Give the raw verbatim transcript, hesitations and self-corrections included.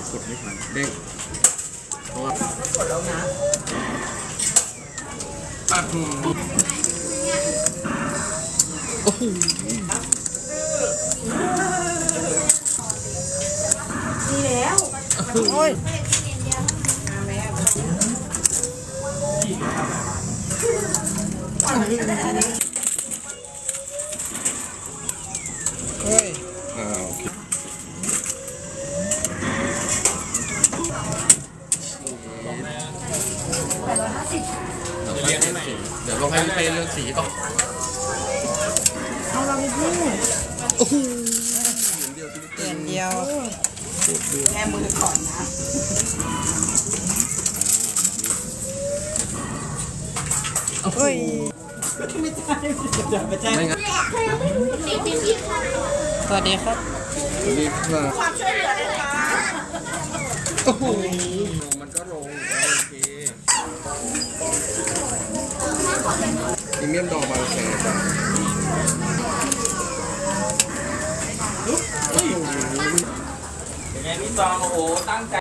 กดไม่ทันเด้งเพราะว่ากดแล้วนะอ่ะโอ้โหดีแล้วโอ้ยเฮ้ยอ่าโอเคเดี๋ยวลงให้พี่เป้เลือกสีก่อนเอาเราไปพูดโอ้โหเปลี่ยนเดียวแม่มือก่อนนะเฮ้ยไม่ใช่ไม่ใช่ไม่ใช่สวัสดีครับดีค่ะความช่วยเหลือเลยค่ะโอ้โหมันก็ลงโอเคพรีเมียมดอกบางแคจ้ะเป็นไงพี่ตองโอ้โหตั้งใจ